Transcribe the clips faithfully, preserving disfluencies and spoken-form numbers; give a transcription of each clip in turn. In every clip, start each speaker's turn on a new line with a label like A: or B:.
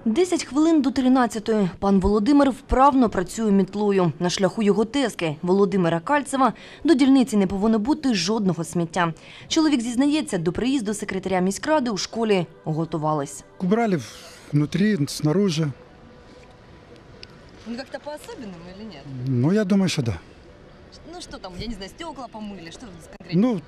A: Десять хвилин до тринадцятої. Пан Володимир вправно працює мітлою. На шляху його тезки Володимира Кальцева до дільниці не повинно бути жодного сміття. Чоловік зізнається, до приїзду секретаря міськради у школі готувались.
B: Убрали внутри, снаружи.
C: Ну как-то по-особенному или нет?
B: Ну, я думаю, что да.
C: Ну что там, я не знаю, стекла помыли, что конкретно?
B: Ну,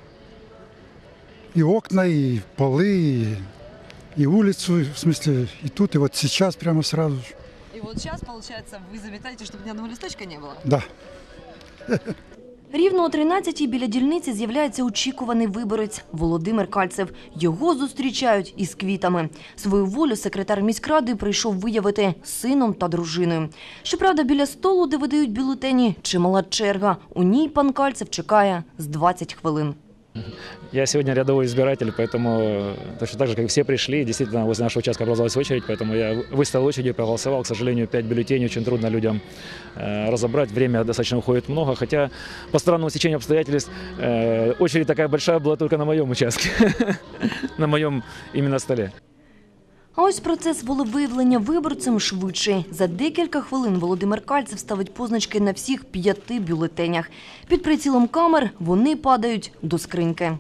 B: и окна, и полы, и, и улицу, в смысле, и тут, и вот сейчас прямо сразу же.
C: И вот сейчас, получается, вы заметаете, чтобы ни одного листочка не было?
B: Да.
A: Рівно о тринадцятій біля дільниці з'являється очікуваний виборець – Володимир Кальцев. Його зустрічають із квітами. Свою волю секретар міськради прийшов виявити з сином та дружиною. Щоправда, біля столу, де видають бюлетені, чимала черга. У ній пан Кальцев чекає з двадцять хвилин.
D: Я сегодня рядовой избиратель, поэтому точно так же, как и все пришли, действительно возле нашего участка образовалась очередь, поэтому я выстоял очередь и проголосовал. К сожалению, пять бюллетеней очень трудно людям э, разобрать, время достаточно уходит много, хотя по странному стечению обстоятельств э, очередь такая большая была только на моем участке, на моем именно столе.
A: А ось процес волевиявлення виборцем швидший. За декілька хвилин Володимир Кальцев ставить позначки на всіх п'яти бюлетенях. Під прицілом камер вони падають до скриньки.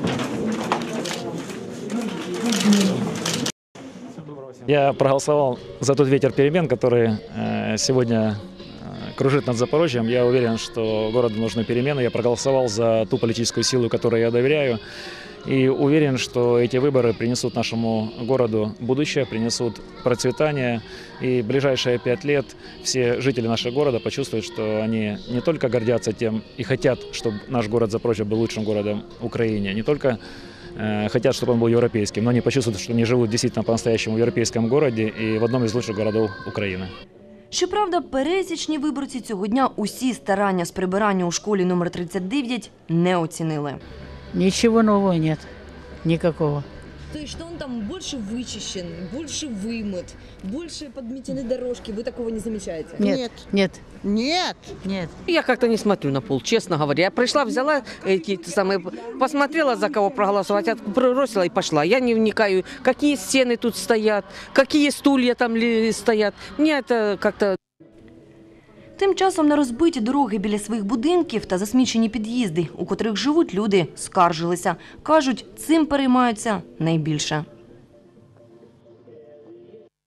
D: Я проголосовал за тот ветер перемен, который сегодня кружит над Запорожьем. Я уверен, что городу нужны перемены. Я проголосовал за ту политическую силу, которой я доверяю. И уверен, что эти выборы принесут нашему городу будущее, принесут процветание. И в ближайшие пять лет все жители нашего города почувствуют, что они не только гордятся тем и хотят, чтобы наш город Запорожье был лучшим городом Украины, не только э, хотят, чтобы он был европейским, но они почувствуют, что они живут действительно по-настоящему в европейском городе и в одном из лучших городов Украины.
A: Щоправда, пересічні виборці цього дня усі старання з прибирання у школі номер тридцять дев'ять не оцінили.
E: Ничего нового нет, никакого.
C: То есть, что он там больше вычищен, больше вымыт, больше подметены дорожки, вы такого не замечаете?
E: Нет, нет,
F: Нет.
E: нет.
F: Я как-то не смотрю на пол, честно говоря. Я пришла, взяла эти самые, посмотрела, за кого проголосовать, бросила и пошла. Я не вникаю, какие стены тут стоят, какие стулья там стоят. Мне это как-то...
A: Тим часом на розбиті дороги біля своїх будинків та засмічені під'їзди, у котрих живуть люди, скаржилися. Кажуть, цим переймаються найбільше.